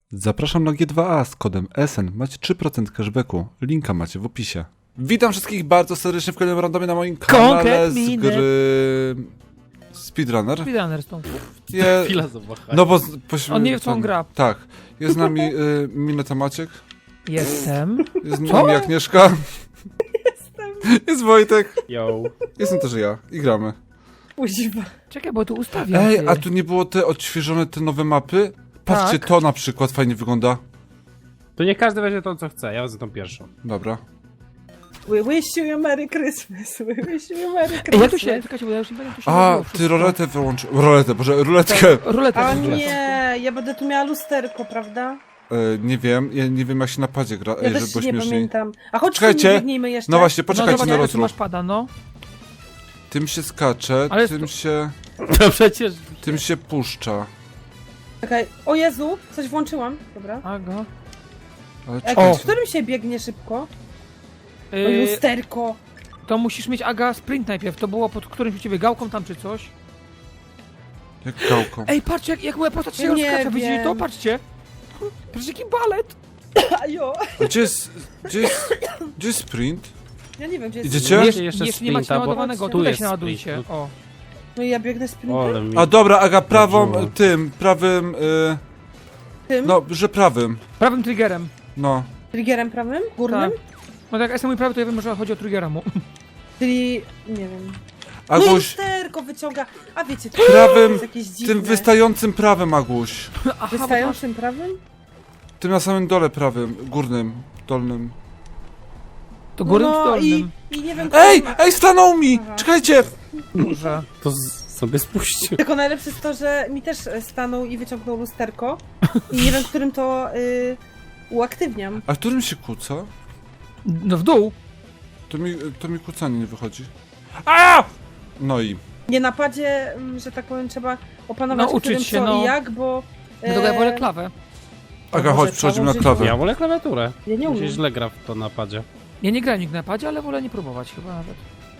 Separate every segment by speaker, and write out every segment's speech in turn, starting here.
Speaker 1: Zapraszam na G2A z kodem SN. Macie 3% cashbacku. Linka macie w opisie. Witam wszystkich bardzo serdecznie w kolejnym randomie na moim kanale z gry Speedrunner.
Speaker 2: Speedrunner stąd.
Speaker 3: Chwila zawahania.
Speaker 1: No bo...
Speaker 2: On nie wie, w co on gra.
Speaker 1: Tak. Jest z nami Mineta Maciek.
Speaker 2: Jestem.
Speaker 1: Jest z nami Agnieszka. Jest Wojtek.
Speaker 3: Yo.
Speaker 1: Jestem też ja. I gramy.
Speaker 4: Kuźwa.
Speaker 2: Czekaj, bo tu ustawiam.
Speaker 1: Ej,
Speaker 2: ty.
Speaker 1: a tu nie było te odświeżone te nowe mapy? Patrzcie,
Speaker 2: Tak.
Speaker 1: to na przykład fajnie wygląda.
Speaker 3: To nie każdy weźmie to, co chce, ja wezmę tą pierwszą.
Speaker 1: Dobra.
Speaker 4: We wish you a Merry Christmas. We wish you a Merry Christmas.
Speaker 2: Ej, ja tu się, czekajcie, bo ja już nie będę tu się
Speaker 1: A,
Speaker 2: robiło
Speaker 1: ty
Speaker 2: wszystko.
Speaker 1: roletę wyłączył. Roletę, boże, ruletkę.
Speaker 2: Ruletę.
Speaker 4: A
Speaker 2: włączyłem.
Speaker 4: nie, ja będę tu miała lusterko, prawda?
Speaker 1: Nie wiem, ja nie wiem jak się na padzie gra,
Speaker 4: Ja
Speaker 1: żeby
Speaker 4: też
Speaker 1: było
Speaker 4: nie
Speaker 1: śmieszniej.
Speaker 4: pamiętam. A chodź,
Speaker 1: Czekajcie.
Speaker 4: nie biegnijmy jeszcze.
Speaker 1: No właśnie,
Speaker 2: No
Speaker 1: poczekajcie
Speaker 2: zobacz,
Speaker 1: na
Speaker 2: jak tu
Speaker 1: rozruch.
Speaker 2: masz pada, no.
Speaker 1: Tym się skacze,
Speaker 2: Ale
Speaker 3: To przecież...
Speaker 1: tym się puszcza.
Speaker 4: Czekaj, o Jezu, coś włączyłam. Dobra.
Speaker 2: Aga.
Speaker 1: Ale
Speaker 4: Ej,
Speaker 1: czekajcie.
Speaker 4: w którym się biegnie szybko? O
Speaker 2: Yy,
Speaker 4: lusterko.
Speaker 2: to musisz mieć, Aga, sprint najpierw. To było pod którymś u ciebie gałką tam czy coś.
Speaker 1: Jak gałką.
Speaker 2: Ej, patrzcie, jak moja postać się
Speaker 4: Ja nie
Speaker 2: rozkracza. Widzicie
Speaker 4: wiem.
Speaker 2: to? Patrzcie. Patrzcie, jaki balet.
Speaker 4: Ajo.
Speaker 1: A gdzie jest sprint?
Speaker 4: Ja nie wiem, gdzie jest.
Speaker 1: Idziecie?
Speaker 3: Jeszcze
Speaker 2: Jeszcze nie macie
Speaker 3: sprinta, bo
Speaker 2: naładowanego.
Speaker 4: tu
Speaker 2: Tutaj
Speaker 3: jest
Speaker 2: się naładujcie.
Speaker 3: sprint.
Speaker 2: O.
Speaker 4: No i ja biegnę sprintem.
Speaker 3: Ole mi...
Speaker 1: A dobra, Aga, prawą,
Speaker 3: Chodziło.
Speaker 1: tym, prawym,
Speaker 4: Tym?
Speaker 1: no, że prawym.
Speaker 2: Prawym triggerem.
Speaker 1: No.
Speaker 4: Triggerem prawym? Górnym?
Speaker 2: Tak. No tak, jak jestem mój prawy, to ja wiem, że chodzi o triggera mu.
Speaker 4: Czyli, nie wiem. No
Speaker 1: Aguś,
Speaker 4: lusterko wyciąga. A wiecie, to
Speaker 1: prawym,
Speaker 4: jest jakieś dziwne.
Speaker 1: tym wystającym prawym, Aguś.
Speaker 2: Aha, bo to masz...
Speaker 4: Wystającym prawym?
Speaker 1: Tym na samym dole prawym, górnym, dolnym.
Speaker 2: To górnym czy
Speaker 4: No
Speaker 2: dolnym?
Speaker 4: i nie wiem,
Speaker 1: Ej,
Speaker 4: kto ma-
Speaker 1: ej, stanął mi!
Speaker 4: Aha.
Speaker 1: Czekajcie!
Speaker 2: Może.
Speaker 3: To sobie spuścił.
Speaker 4: Tylko najlepsze jest to, że mi też stanął i wyciągnął lusterko i nie wiem, którym to uaktywniam.
Speaker 1: A którym się kłóca?
Speaker 2: No w dół.
Speaker 1: To mi kłócanie nie wychodzi. A! No i...
Speaker 4: Nie na padzie, że tak powiem, trzeba opanować,
Speaker 2: Nauczyć
Speaker 4: którym
Speaker 2: się,
Speaker 4: co
Speaker 2: no.
Speaker 4: i jak, bo...
Speaker 2: No to ja wolę klawę.
Speaker 1: Aga,
Speaker 4: może
Speaker 1: chodź, przechodzimy na
Speaker 4: założyć-
Speaker 1: klawę.
Speaker 3: Ja wolę klawiaturę.
Speaker 4: Ja nie
Speaker 3: Mi się
Speaker 4: umiem.
Speaker 3: źle gra w to napadzie.
Speaker 2: Ja nie grałem nigdy na padzie, ale wolę nie próbować chyba nawet.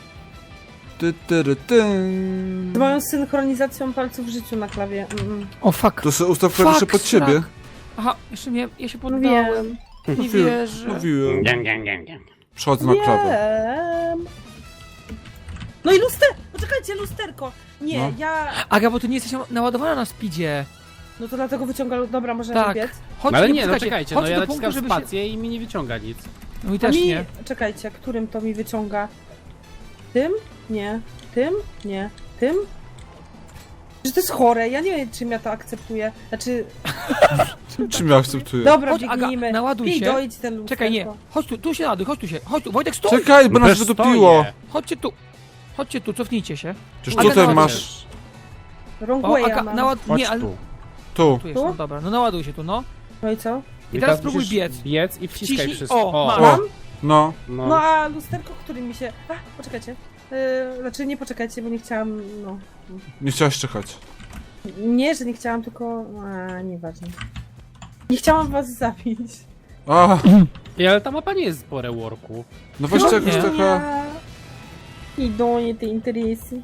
Speaker 4: Z moją synchronizacją palców w życiu na klawie.
Speaker 2: O fuck.
Speaker 1: To sobie ustaw klawisze pod
Speaker 2: Fuck,
Speaker 1: ciebie.
Speaker 2: srak. Aha, jeszcze mnie, ja się
Speaker 4: No
Speaker 2: poddałem.
Speaker 4: wiem.
Speaker 2: Nie wierzę.
Speaker 1: Mówiłem.
Speaker 3: Gang, gang, gang, gang.
Speaker 1: Przechodzę na klawę.
Speaker 4: Wiem. No i Poczekajcie, lusterko! Nie,
Speaker 1: No.
Speaker 4: ja...
Speaker 2: Aga, bo ty nie jesteś naładowana na speedzie.
Speaker 4: No to dlatego wyciąga... Dobra, możemy
Speaker 2: Tak.
Speaker 4: biec.
Speaker 2: Chodź,
Speaker 3: No ale nie, no
Speaker 2: poczekajcie,
Speaker 3: czekajcie,
Speaker 2: chodź
Speaker 3: no ja
Speaker 2: do
Speaker 3: naciskam
Speaker 2: punktu, żeby się...
Speaker 3: spację i mi nie wyciąga nic.
Speaker 2: No i
Speaker 4: A
Speaker 2: też
Speaker 4: mi...
Speaker 2: nie.
Speaker 4: Czekajcie, którym to mi wyciąga? Tym? Nie. Tym? Nie. Tym? Że to jest chore, ja nie wiem, czym ja to akceptuję. Znaczy,
Speaker 1: Czym ja akceptuję?
Speaker 4: dobra,
Speaker 2: Chodź, Aga,
Speaker 4: biegnijmy.
Speaker 2: naładuj
Speaker 4: Pij,
Speaker 2: się.
Speaker 4: dojdź ten lusterko.
Speaker 2: Czekaj, nie. Chodź tu się naładuj, chodź tu się. Chodź tu, Wojtek, stój!
Speaker 1: Czekaj, bo nas
Speaker 3: Też
Speaker 1: wydupiło.
Speaker 3: stoję.
Speaker 2: Chodźcie tu. Chodźcie tu, cofnijcie się.
Speaker 1: Przecież
Speaker 2: Aga,
Speaker 1: tutaj
Speaker 2: naładuj
Speaker 1: masz...
Speaker 4: Wrong
Speaker 2: O,
Speaker 4: way
Speaker 2: Aga,
Speaker 4: mam.
Speaker 3: Chodź
Speaker 2: Nie, ale...
Speaker 3: tu.
Speaker 1: Tu.
Speaker 2: Tu jest, no dobra. No naładuj się tu, no.
Speaker 4: No i co?
Speaker 2: I teraz spróbuj
Speaker 3: musisz
Speaker 2: biec.
Speaker 3: Biec i wciskaj
Speaker 2: Wciśnij-
Speaker 3: wszystko.
Speaker 2: o, masz.
Speaker 4: Mam?
Speaker 1: No.
Speaker 3: No.
Speaker 4: No a lusterko, którym mi się... A, poczekajcie. Znaczy nie poczekajcie, bo nie chciałam, no...
Speaker 1: Nie chciałaś czekać.
Speaker 4: Nie, że nie chciałam, tylko... A, nieważne. Nie chciałam was zabić.
Speaker 1: A,
Speaker 3: Ej, ale ta mapa nie jest po reworku.
Speaker 1: no weźcie
Speaker 2: No
Speaker 1: jakaś
Speaker 2: nie.
Speaker 1: taka...
Speaker 4: Ja... Idą nie te interesy.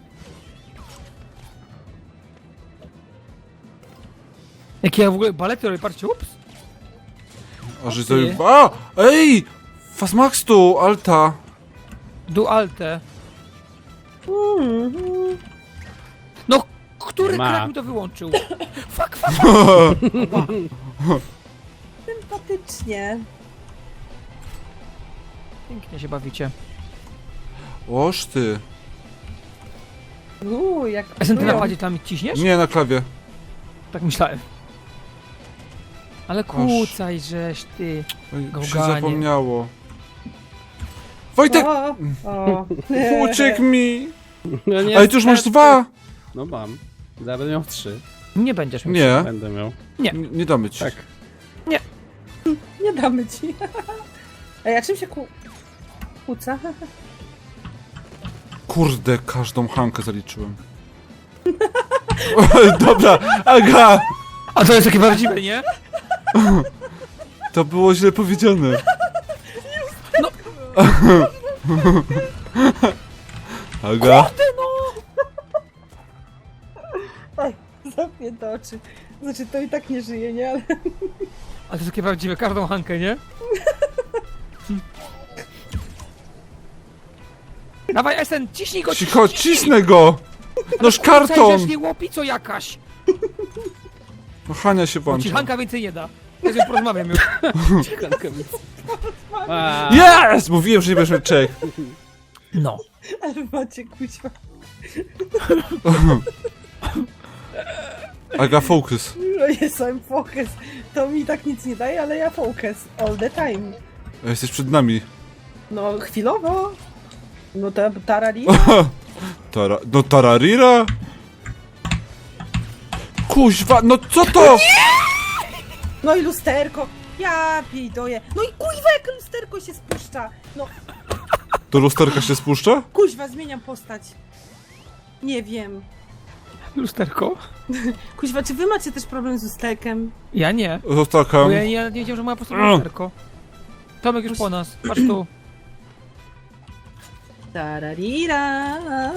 Speaker 2: Jak ja w ogóle balety robię, patrzcie, ups.
Speaker 1: A, że
Speaker 2: Ty.
Speaker 1: sobie... A! Ej! Fastmax tu, Alta.
Speaker 2: Dualte.
Speaker 4: Mhm.
Speaker 2: No, który
Speaker 3: Ma.
Speaker 2: krak mi to wyłączył? Fuck.
Speaker 4: Sympatycznie.
Speaker 2: Pięknie się bawicie.
Speaker 1: Oż ty.
Speaker 4: Jak...
Speaker 2: A ty na
Speaker 4: czują.
Speaker 2: padzie tam ciśniesz?
Speaker 1: Nie, na klawie.
Speaker 2: Tak myślałem. Ale kłócaj, żeś ty.
Speaker 1: Oj, się
Speaker 2: Gałganie.
Speaker 1: zapomniało. Wojtek!
Speaker 4: O.
Speaker 1: Uciekł mi!
Speaker 3: No nie,
Speaker 1: Ale ty już masz dwa!
Speaker 3: No mam. Zaraz będę miał 3.
Speaker 2: Nie będziesz miał.
Speaker 1: Nie,
Speaker 3: Będę miał.
Speaker 1: nie damy ci.
Speaker 3: Tak.
Speaker 4: Nie damy ci. Ej, a czym się kłóca?
Speaker 1: Kurde, każdą Hankę zaliczyłem. Dobra, Aga!
Speaker 2: A to jest takie prawdziwe, nie?
Speaker 1: To było źle powiedziane.
Speaker 2: No.
Speaker 1: Aga?
Speaker 4: Oj, zamknięte oczy. Znaczy, to i tak nie żyje, nie? Ale...
Speaker 2: to jest takie prawdziwe, każdą Hankę, nie? Dawaj, Esen, ciśnij go,
Speaker 1: Cicho, cisnę go! Noż karton!
Speaker 2: Przecież nie łopico jakaś!
Speaker 1: No Hania się
Speaker 2: Bo ci
Speaker 1: włącza.
Speaker 2: Hanka więcej nie da. Ja z nią porozmawiam już.
Speaker 1: Yes! Mówiłem, że nie będziesz miał czek.
Speaker 2: No.
Speaker 4: Ale macie kuźwa.
Speaker 1: Aga, focus.
Speaker 4: No jestem focus. To mi tak nic nie daje, ale ja focus. All the time.
Speaker 1: Jesteś przed nami.
Speaker 4: No chwilowo. No to tarari.
Speaker 1: No tararira? Kuźwa, no co to?
Speaker 4: No i lusterko. Ja pijdoję. No i kuźwa, jak lusterko się spuszcza. No
Speaker 1: To lusterka się spuszcza?
Speaker 4: kuźwa, zmieniam postać. Nie wiem.
Speaker 2: Lusterko?
Speaker 4: Kuźwa, czy wy macie też problem z lusterkiem?
Speaker 2: Ja nie.
Speaker 1: Lusterka.
Speaker 2: Bo ja nie wiedziałem, że moja postać ma lusterko. Tomek już po nas. Patrz tu.
Speaker 4: Tararira.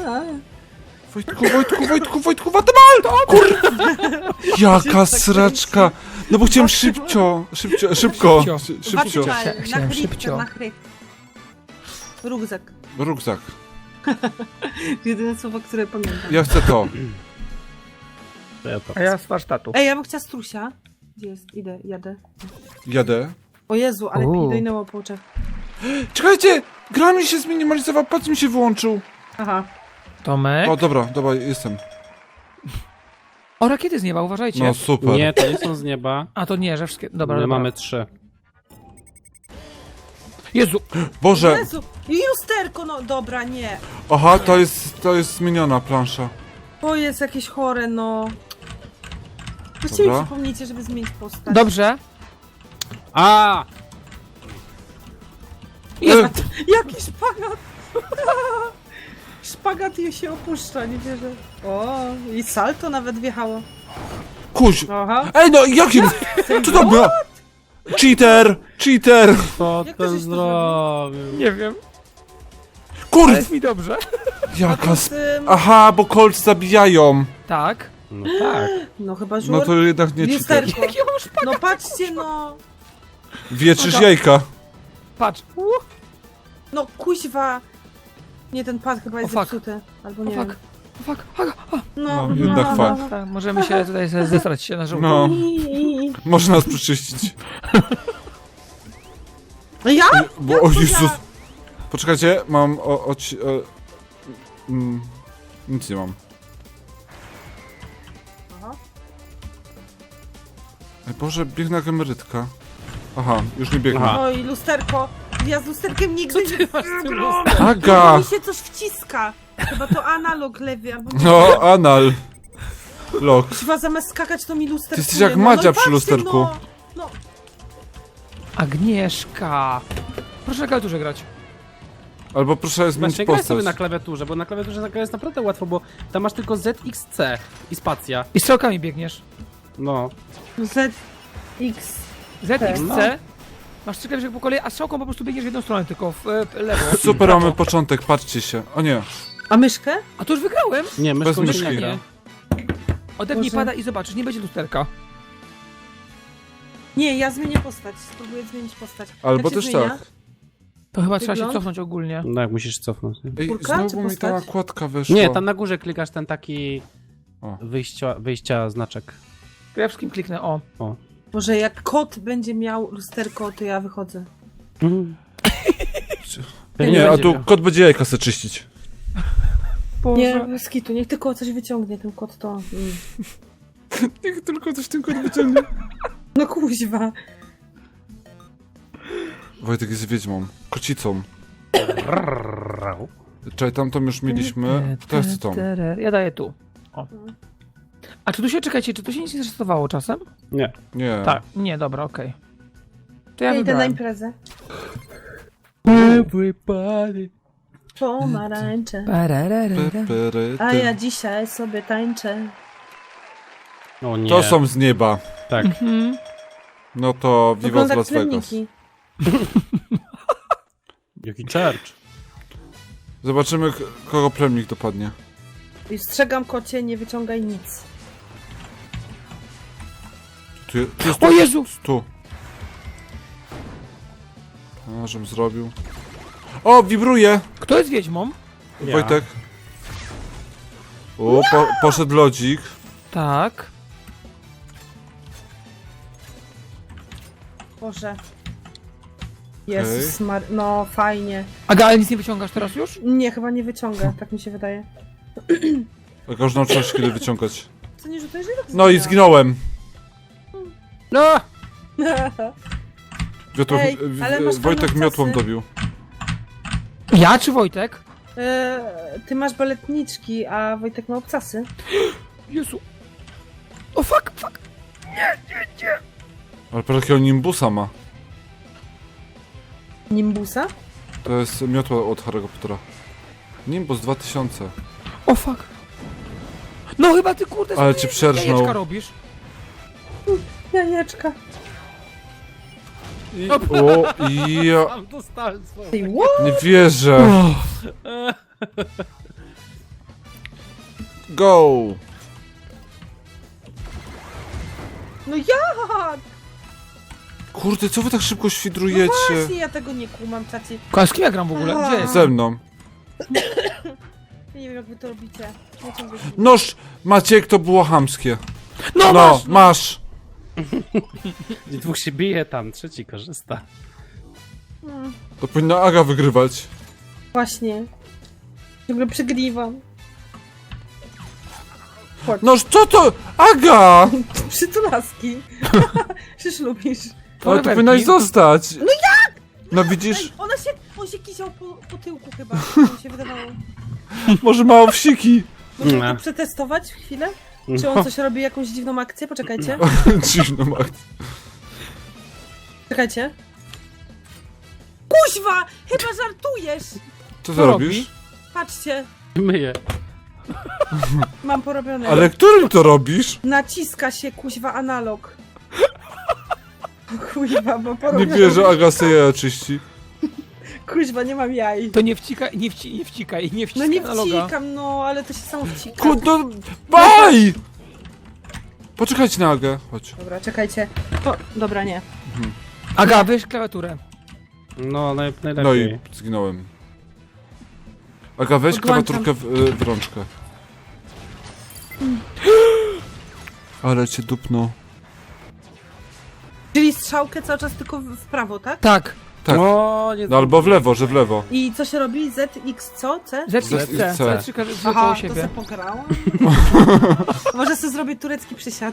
Speaker 1: Wojtku, Watamal! Kurwa! Jaka sraczka! No bo chciałem szybko.
Speaker 2: Szybcio.
Speaker 1: Szybcio.
Speaker 4: Watamal,
Speaker 2: Chciałem
Speaker 4: na
Speaker 2: szybcio.
Speaker 4: chrypkę, na chryp. Rugzak.
Speaker 1: Rukzak.
Speaker 4: Jedyne słowo, które pamiętam.
Speaker 1: Ja chcę to.
Speaker 2: A ja z warsztatu.
Speaker 4: Ej, ja bym chciała strusia. Gdzie jest? Idę, jadę.
Speaker 1: Jadę.
Speaker 4: O Jezu, ale
Speaker 2: Uuu.
Speaker 4: pidojnęło po oczach.
Speaker 1: Czekajcie! Gra mi się zminimalizował, patrz mi się wyłączył.
Speaker 4: Aha.
Speaker 2: Tomek?
Speaker 1: O, dobra, jestem.
Speaker 2: O, rakiety z nieba, uważajcie.
Speaker 1: No super.
Speaker 3: Nie, to nie są z nieba.
Speaker 2: A to nie, że wszystkie... Dobra,
Speaker 3: My
Speaker 2: dobra.
Speaker 3: mamy 3.
Speaker 2: Jezu!
Speaker 1: Boże!
Speaker 4: Jezu, i lusterko, no dobra, nie.
Speaker 1: Aha, to jest zmieniona plansza.
Speaker 4: To jest jakieś chore, no. Weźcie mi
Speaker 1: Dobra.
Speaker 4: przypomnijcie, żeby zmienić postać.
Speaker 2: Dobrze.
Speaker 3: A!
Speaker 4: Jaki szpagat! Szpagat jej się opuszcza, nie wierzę. O, i salto nawet wjechało.
Speaker 1: Kuź!
Speaker 4: Aha.
Speaker 1: Ej, no jakim? Co to było? Cheater!
Speaker 3: Co
Speaker 4: Jak to
Speaker 3: ten
Speaker 4: żeś to
Speaker 3: zrobił?
Speaker 2: Nie wiem.
Speaker 1: Kur...
Speaker 2: Ale jest mi dobrze.
Speaker 1: Jaka
Speaker 4: Z tym...
Speaker 1: Aha, bo Colts zabijają.
Speaker 2: Tak.
Speaker 3: No tak.
Speaker 4: No chyba żur.
Speaker 1: No to jednak nie cheater.
Speaker 4: Lusterko.
Speaker 2: Jaki on szpak?
Speaker 4: No patrzcie, no.
Speaker 1: Wietrzysz jajka.
Speaker 2: Patrz.
Speaker 4: No kuźwa. Nie, ten pad chyba jest
Speaker 2: O, fuck.
Speaker 4: zepsuty. Albo
Speaker 2: O
Speaker 4: nie
Speaker 2: fuck.
Speaker 4: wiem.
Speaker 2: O fuck. Aga. O.
Speaker 1: No, jednak fuck.
Speaker 2: Tak, możemy się tutaj zesrać się na żółto.
Speaker 1: No, może nas przeczyścić.
Speaker 4: Ja?
Speaker 1: Bo, o Jezus. Poczekajcie, mam nic nie mam.
Speaker 4: Aha.
Speaker 1: Ej, Boże, biegnę jak emerytka. Aha, już nie biegnę.
Speaker 3: Aha.
Speaker 4: No i lusterko. Ja z lusterkiem nigdy nie
Speaker 1: Aga!
Speaker 4: mi się coś wciska. Chyba to analog lewy albo nie.
Speaker 1: No, anal. Lok.
Speaker 4: Chyba zamiast skakać to mi lusterkuje.
Speaker 1: Ty jesteś jak
Speaker 4: no,
Speaker 1: Madzia
Speaker 4: no i
Speaker 1: przy
Speaker 4: patrzcie,
Speaker 1: lusterku.
Speaker 4: No, no.
Speaker 2: Agnieszka. Proszę na klawiaturze grać.
Speaker 1: Albo proszę zmienić
Speaker 3: Właśnie graj sobie
Speaker 1: postać.
Speaker 3: na klawiaturze, bo na klawiaturze zagrać jest naprawdę łatwo, bo tam masz tylko ZXC i spacja.
Speaker 2: I strzałkami biegniesz.
Speaker 3: No.
Speaker 4: ZX.
Speaker 2: ZXC.
Speaker 3: No.
Speaker 2: Masz 3 klawisze po kolei, a strzałką po prostu biegniesz w jedną stronę, tylko w lewo.
Speaker 1: Super, mamy początek, patrzcie się. O nie.
Speaker 4: A myszkę?
Speaker 2: A to już wygrałem.
Speaker 3: Nie,
Speaker 1: Bez
Speaker 3: myszką się
Speaker 1: myszki.
Speaker 3: nie gra.
Speaker 2: Odepnij
Speaker 4: Boże.
Speaker 2: pada i zobaczysz, nie będzie lusterka.
Speaker 4: Nie, ja zmienię postać. Spróbuję zmienić postać.
Speaker 1: Albo
Speaker 4: Jak się
Speaker 1: też
Speaker 4: zmienia?
Speaker 1: tak.
Speaker 2: To chyba trzeba się
Speaker 4: Wygląd?
Speaker 2: cofnąć ogólnie.
Speaker 3: No jak musisz cofnąć. Nie,
Speaker 1: Ej,
Speaker 4: Kurka czy
Speaker 1: znowu mi ta
Speaker 4: postać?
Speaker 1: nakładka weszła.
Speaker 3: nie tam na górze klikasz ten taki
Speaker 1: O.
Speaker 3: wyjścia znaczek.
Speaker 2: To ja wszystkim kliknę, o.
Speaker 4: Może jak kot będzie miał lusterko, to ja wychodzę.
Speaker 1: Nie, a tu kot będzie jajka se czyścić.
Speaker 2: Boże.
Speaker 4: Nie, bez kitu, niech tylko coś wyciągnie ten kot, to...
Speaker 1: Niech tylko coś ten kot wyciągnie.
Speaker 4: No kuźwa.
Speaker 1: Wojtek jest wiedźmą. Kocicą. Czekaj, tamtą już mieliśmy. To jest tą.
Speaker 2: Ja daję tu. O. A czy tu się, czekajcie, czy tu się nic nie zrestowało czasem?
Speaker 3: Nie.
Speaker 1: Nie.
Speaker 2: Tak. Nie, dobra, okej. To ja
Speaker 4: Ja idę na
Speaker 2: wybrałem.
Speaker 4: imprezę.
Speaker 3: Everybody.
Speaker 4: Pomarańcze.
Speaker 1: Pepery,
Speaker 4: A
Speaker 1: ty.
Speaker 4: ja dzisiaj sobie tańczę.
Speaker 3: O nie.
Speaker 1: To są z nieba.
Speaker 3: Tak.
Speaker 2: Mhm.
Speaker 1: No to Viva
Speaker 4: Wygląda
Speaker 1: z
Speaker 4: jak
Speaker 1: Las Vegas.
Speaker 4: plemniki.
Speaker 3: Jaki church.
Speaker 1: Zobaczymy, kogo plemnik dopadnie.
Speaker 4: I strzegam kocie, nie wyciągaj nic.
Speaker 1: Tu jest
Speaker 2: O Jezu!
Speaker 1: tu. A, żebym zrobił. O, wibruje!
Speaker 2: Kto jest wiedźmą?
Speaker 3: Ja.
Speaker 1: Wojtek. O, poszedł lodzik.
Speaker 2: Tak.
Speaker 4: Boże. Jezus no fajnie.
Speaker 2: Aga, ale nic nie wyciągasz teraz już?
Speaker 4: Nie, chyba nie wyciąga, tak mi się wydaje.
Speaker 1: Jak już nauczyłaś się kiedy wyciągać.
Speaker 4: Co nie rzutujesz? Ja tak
Speaker 1: No i zginąłem.
Speaker 3: No!
Speaker 1: Wiotło,
Speaker 4: Ej, ale masz
Speaker 1: Wojtek
Speaker 4: fajne
Speaker 1: miotłą
Speaker 4: czasy.
Speaker 1: dobił.
Speaker 2: Ja czy Wojtek?
Speaker 4: Ty masz baletniczki, a Wojtek ma obcasy.
Speaker 2: Jezu. O fuck.
Speaker 1: Ale patrz jakiego nimbusa ma.
Speaker 4: Nimbusa?
Speaker 1: To jest miotła od Harry'ego Pottera. Nimbus 2000.
Speaker 2: O fuck. No chyba ty kurde
Speaker 1: Ale
Speaker 2: swoje
Speaker 1: cię przerżnął.
Speaker 2: jajeczka robisz.
Speaker 4: Jajeczka.
Speaker 1: Ja
Speaker 3: Sam dostałem swoją.
Speaker 4: Ty, what?
Speaker 1: nie wierzę. Go!
Speaker 4: No jak?
Speaker 1: Kurde, co wy tak szybko
Speaker 4: No
Speaker 1: świdrujecie?
Speaker 4: właśnie, ja tego nie kumam, czaci.
Speaker 2: Koła, z kim ja gram w ogóle?
Speaker 4: Aha.
Speaker 2: Gdzie jest?
Speaker 1: Ze mną.
Speaker 4: Ja nie wiem, jak wy to robicie. Nie ciągle się...
Speaker 1: Noż, Maciek, to było chamskie.
Speaker 2: No,
Speaker 1: No,
Speaker 2: masz!
Speaker 1: masz.
Speaker 3: Dwóch się bije tam, trzeci korzysta.
Speaker 1: To powinna Aga wygrywać.
Speaker 4: Właśnie. Ciągle przegrywam.
Speaker 1: Noż, co to? Aga!
Speaker 4: Przytulaski. Przecież lubisz.
Speaker 1: Ale to
Speaker 2: Polewerki.
Speaker 1: powinnaś zostać. No jak? No widzisz,
Speaker 4: Ej, on się kisiał po tyłku chyba, mi się wydawało.
Speaker 1: może mało wsiki.
Speaker 4: Można
Speaker 3: Nie.
Speaker 4: to przetestować chwilę? Czy on coś robi, jakąś dziwną akcję? Poczekajcie.
Speaker 1: Dziwną akcję.
Speaker 4: Czekajcie. Kuźwa! Chyba żartujesz!
Speaker 1: Co ty
Speaker 2: Co robi?
Speaker 1: robisz?
Speaker 4: Patrzcie,
Speaker 3: Myję.
Speaker 4: mam porobione.
Speaker 1: Ale którym to robisz?
Speaker 4: Naciska się kuźwa analog. Kuźwa, bo
Speaker 1: Nie
Speaker 4: porobione.
Speaker 1: wierzę, Aga sobie jaja czyści.
Speaker 4: Kuźwa, nie mam jaj.
Speaker 2: To nie wcikaj, nie wcikaj, nie
Speaker 4: No
Speaker 2: wciskaj
Speaker 4: nie
Speaker 2: analoga.
Speaker 4: wcikam, no, ale to się samo wcika.
Speaker 1: Kurde, baj! Poczekajcie na Agę, chodź.
Speaker 4: Dobra, czekajcie. O, dobra, nie.
Speaker 2: Aga, weź klawiaturę.
Speaker 3: No,
Speaker 1: No
Speaker 3: najlepiej.
Speaker 1: i zginąłem. Aga, weź
Speaker 4: Odłączam.
Speaker 1: klawiaturkę w rączkę. Ale cię dupnął.
Speaker 4: Czyli strzałkę cały czas tylko w prawo, tak?
Speaker 2: Tak.
Speaker 1: Tak.
Speaker 3: O, nie
Speaker 1: No albo w lewo, że w lewo.
Speaker 4: I co się robi? ZX co? C?
Speaker 2: ZXC.
Speaker 1: ZXC.
Speaker 2: C3 koło
Speaker 4: Aha, to
Speaker 2: siebie.
Speaker 4: se pograłam. Może sobie zrobię turecki przysiad.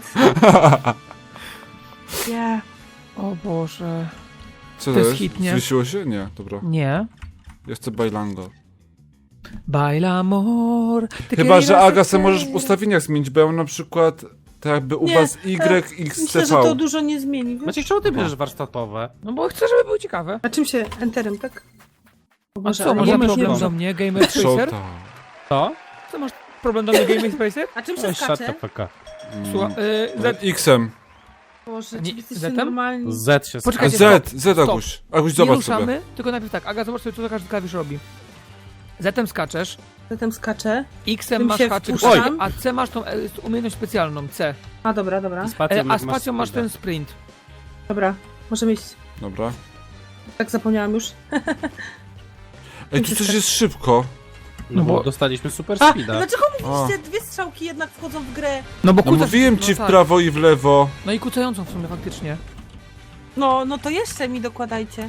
Speaker 4: Yeah.
Speaker 2: O Boże.
Speaker 1: Co
Speaker 2: To
Speaker 1: to
Speaker 2: jest
Speaker 1: jest?
Speaker 2: hit, nie?
Speaker 1: Zwiesiło się? Nie, dobra.
Speaker 2: Nie.
Speaker 1: Ja chcę bailango.
Speaker 2: Baila amor. te
Speaker 1: Chyba, że
Speaker 2: queridas
Speaker 1: Aga, se
Speaker 2: hacer.
Speaker 1: możesz w ustawieniach zmienić, bo ja mam na przykład tak jakby u
Speaker 4: Nie,
Speaker 1: was
Speaker 4: Myślę,
Speaker 1: YXTV.
Speaker 4: że to dużo nie zmieni. Wiesz?
Speaker 3: Maciek, czemu ty bierzesz warsztatowe?
Speaker 2: No bo chcę, żeby było ciekawe.
Speaker 4: A czym się? Enterem, tak? O
Speaker 2: A
Speaker 4: Boże,
Speaker 2: co,
Speaker 4: ale
Speaker 2: masz
Speaker 4: nie
Speaker 3: mamy
Speaker 2: problem
Speaker 3: nie
Speaker 2: do mnie, Gamer Spacer?
Speaker 1: Shota.
Speaker 3: Co?
Speaker 2: Co masz problem do mnie, Gamer Spacer?
Speaker 4: A czym się
Speaker 3: Shut
Speaker 4: skacze?
Speaker 3: the fuck up.
Speaker 2: Słuchaj,
Speaker 1: X-em.
Speaker 4: Boże,
Speaker 2: Nie,
Speaker 4: czy jesteście
Speaker 2: Z-em?
Speaker 4: normalni?
Speaker 3: Z się
Speaker 2: Poczekajcie,
Speaker 1: Z, Aguś. Aguś,
Speaker 2: nie
Speaker 1: zobacz
Speaker 2: ruszamy,
Speaker 1: sobie.
Speaker 2: tylko najpierw tak. Aga, zobacz sobie, co to każdy klawisz robi. Z-em skaczesz,
Speaker 4: Zatem skaczę.
Speaker 2: X-em
Speaker 4: Tym
Speaker 2: masz
Speaker 4: się
Speaker 2: haczyk,
Speaker 4: wpuszczam.
Speaker 2: a C masz tą umiejętność specjalną, C.
Speaker 4: A, dobra, dobra.
Speaker 2: A spacją masz ten sprint.
Speaker 4: Dobra, możemy iść.
Speaker 1: Dobra.
Speaker 4: Tak zapomniałam już.
Speaker 1: Ej, tu coś jest szybko.
Speaker 3: No bo
Speaker 2: bo-
Speaker 3: dostaliśmy super
Speaker 4: A,
Speaker 3: speeda.
Speaker 4: dlaczego mówiliście, dwie strzałki jednak wchodzą w grę?
Speaker 2: No bo
Speaker 1: No mówiłem ci w
Speaker 2: tak.
Speaker 1: prawo i w lewo.
Speaker 2: No i kucającą w sumie faktycznie.
Speaker 4: No to jeszcze mi dokładajcie.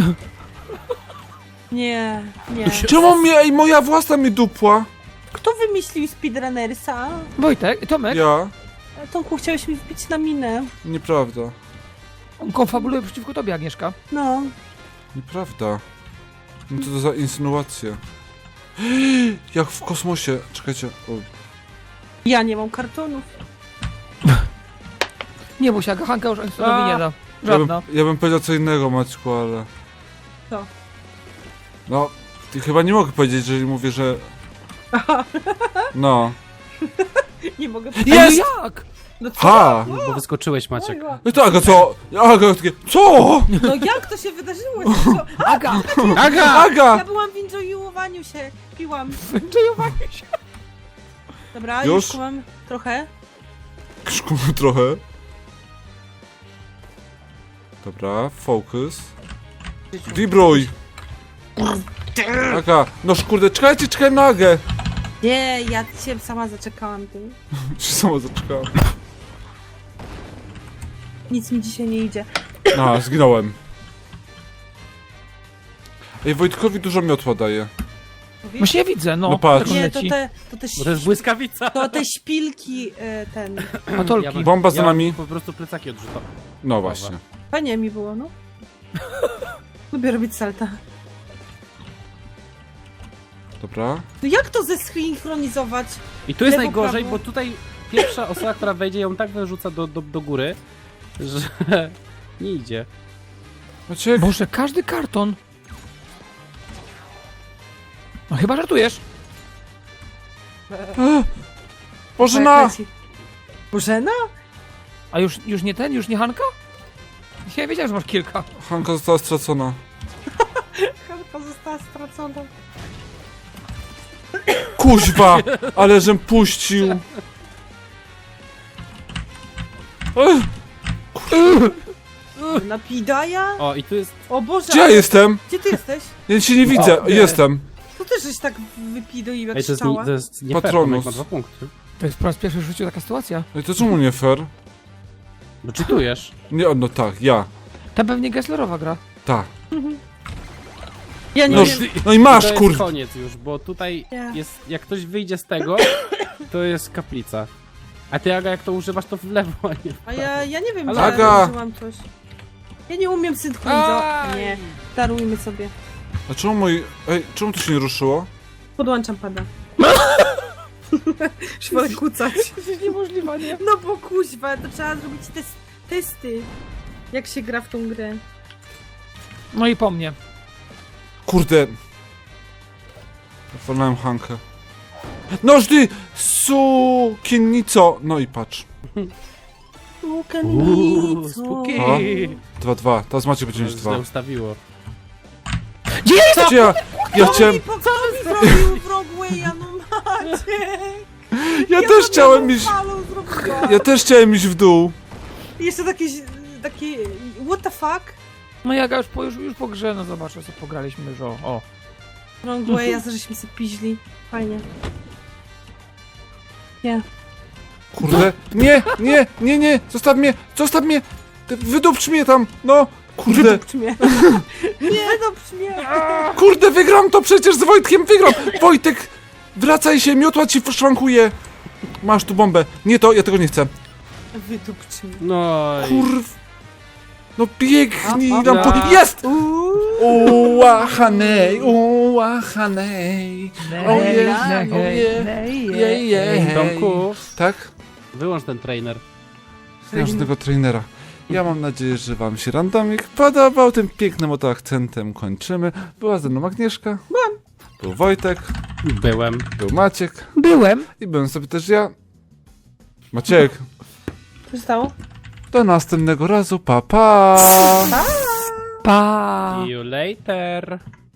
Speaker 4: Nie, nie.
Speaker 1: Czemu mnie, ej, moja własna mi dupła?
Speaker 4: Kto wymyślił speedrunnersa?
Speaker 2: Wojtek, Tomek,
Speaker 1: Ja?
Speaker 4: Tomku, chciałeś mi wbić na minę.
Speaker 1: Nieprawda.
Speaker 2: on konfabuluje przeciwko tobie, Agnieszka.
Speaker 4: No.
Speaker 1: Nieprawda. No co to za insynuacje? Jak w kosmosie. Czekajcie. O.
Speaker 4: Ja nie mam kartonów.
Speaker 2: Nie bój się, Aga, Hanka już Einsteinowi
Speaker 3: A.
Speaker 2: nie da.
Speaker 1: Ja bym,
Speaker 2: Żadna.
Speaker 1: ja bym powiedział co innego, Maćku, ale...
Speaker 4: Co?
Speaker 1: No, ty chyba nie mogę powiedzieć, jeżeli mówię, że...
Speaker 4: Aha,
Speaker 1: No.
Speaker 4: nie mogę
Speaker 1: Jest!
Speaker 2: No jak?
Speaker 4: No co?
Speaker 1: Ha!
Speaker 3: Bo wyskoczyłeś, Maciek.
Speaker 1: No to Aga, co? Aga, takie... Co?
Speaker 4: No jak to się wydarzyło? Co?
Speaker 2: Aga!
Speaker 3: Aga!
Speaker 4: Ja
Speaker 1: Aga!
Speaker 4: byłam w enjoyowaniu się. Piłam.
Speaker 2: Wędrzowanie się.
Speaker 4: Dobra,
Speaker 1: Już?
Speaker 4: już mam trochę.
Speaker 1: Krzkumy trochę. Dobra, focus. Vibruj! Aga, no kurde, czekaj na Agę!
Speaker 4: Nie, ja się sama zaczekałam tym.
Speaker 1: Się sama zaczekałem.
Speaker 4: Nic mi dzisiaj nie idzie.
Speaker 1: A, zginąłem. Ej, Wojtkowi dużo miotła daje.
Speaker 2: Właśnie ja widzę, no.
Speaker 1: No patrz.
Speaker 2: jak on
Speaker 4: Nie,
Speaker 2: leci.
Speaker 3: Bo to jest błyskawica.
Speaker 4: to te szpilki,
Speaker 2: Patolki.
Speaker 1: Bomba za nami.
Speaker 3: Po prostu plecaki odrzucam.
Speaker 1: No właśnie.
Speaker 4: Fajnie mi było, no. Lubię robić salta.
Speaker 1: Dobra.
Speaker 4: No jak to zesynchronizować?
Speaker 3: I tu jest
Speaker 4: Lewo,
Speaker 3: najgorzej,
Speaker 4: prawo.
Speaker 3: bo tutaj pierwsza osoba, która wejdzie, ją tak wyrzuca do góry, że nie idzie.
Speaker 1: Maciek,
Speaker 2: Boże, każdy karton. No chyba żartujesz.
Speaker 1: Bożena!
Speaker 4: Jak leci. Bożena?
Speaker 2: A już nie ten? Już nie Hanka? Ja wiedziałem, że masz kilka.
Speaker 1: Hanka została stracona.
Speaker 4: Karta została stracona.
Speaker 1: Kuźwa! Ale żem puścił! Ech,
Speaker 4: Napidaja?
Speaker 3: O, i tu jest...
Speaker 4: O Boże,
Speaker 1: gdzie ja jestem?
Speaker 4: gdzie ty jesteś?
Speaker 1: Ja cię nie widzę.
Speaker 3: nie.
Speaker 1: Jestem.
Speaker 4: To też żeś tak wypidoił jak
Speaker 3: Ej,
Speaker 4: strzała.
Speaker 3: to jest nie
Speaker 1: Patronus.
Speaker 3: fair, ma 2 punkty.
Speaker 2: To jest po raz pierwszy w życiu taka sytuacja.
Speaker 1: Ej, to czemu nie fair?
Speaker 3: Bo czytujesz.
Speaker 1: Nie, no tak, ja.
Speaker 2: Ta pewnie Gesslerowa gra.
Speaker 1: Tak.
Speaker 4: Ja nie
Speaker 1: No,
Speaker 4: wiem.
Speaker 1: no i masz,
Speaker 3: to jest
Speaker 1: kurde.
Speaker 3: koniec już, bo tutaj
Speaker 4: Nie.
Speaker 3: jest... Jak ktoś wyjdzie z tego, to jest kaplica. A ty, Aga, jak to używasz, to w lewo, a nie w
Speaker 4: A ja nie wiem,
Speaker 3: Ale
Speaker 4: że
Speaker 1: Aga!
Speaker 4: użyłam coś. Ja nie umiem synchronizować.
Speaker 3: Aj!
Speaker 4: Nie, darujmy sobie.
Speaker 1: A czemu moi... Ej, czemu to się nie ruszyło?
Speaker 4: Podłączam pada. Już wolę kucać.
Speaker 2: To jest niemożliwe, nie?
Speaker 4: No bo kuźwa, to trzeba zrobić testy. Jak się gra w tą grę.
Speaker 2: No i po mnie.
Speaker 1: Kurde. Wolałem Hankę. Noż ty, sukiennico! No i patrz.
Speaker 3: spooky.
Speaker 1: A? 2-2. Teraz Maciek będzie mieć
Speaker 3: Źle
Speaker 1: 2.
Speaker 3: ustawiło.
Speaker 1: Gdzie ja? Ja chciałem...
Speaker 4: Co mi zrobił w Rogue'a, no Maciek?
Speaker 1: Ja też chciałem iść...
Speaker 4: zrobiłam.
Speaker 1: Ja też chciałem iść w dół.
Speaker 4: I jeszcze takie... What the fuck?
Speaker 2: No Jaga już po grze, no zobaczę co pograliśmy już o.
Speaker 4: Rogue'a, żeśmy sobie piźli. Fajnie. Nie.
Speaker 1: Kurde. Nie. Zostaw mnie. Ty wydupcz mnie tam. No. Kurde.
Speaker 4: Wydupcz mnie. Nie, wydupcz mnie.
Speaker 1: Kurde, wygram to przecież z Wojtkiem, wygram. Wojtek, wracaj się, miotła ci szwankuje. Masz tu bombę. Nie to, ja tego nie chcę.
Speaker 4: Wydupcz mnie.
Speaker 3: No i...
Speaker 1: Kurw. No biegnij
Speaker 4: A,
Speaker 1: nam po...
Speaker 3: a.
Speaker 1: Jest! Ułahanej.
Speaker 3: Tomku,
Speaker 1: Tak?
Speaker 3: wyłącz ten trainer.
Speaker 1: Nie mam żadnego trainera. Ja mam nadzieję, że wam się randomik podobał. Tym pięknym oto akcentem kończymy. Była ze mną Agnieszka. Był Wojtek.
Speaker 3: Byłem.
Speaker 1: Był Maciek.
Speaker 2: Byłem.
Speaker 1: I byłem sobie też ja. Maciek.
Speaker 4: Co się stało?
Speaker 1: Do następnego razu. Pa, pa.
Speaker 2: Pa.
Speaker 3: See you later.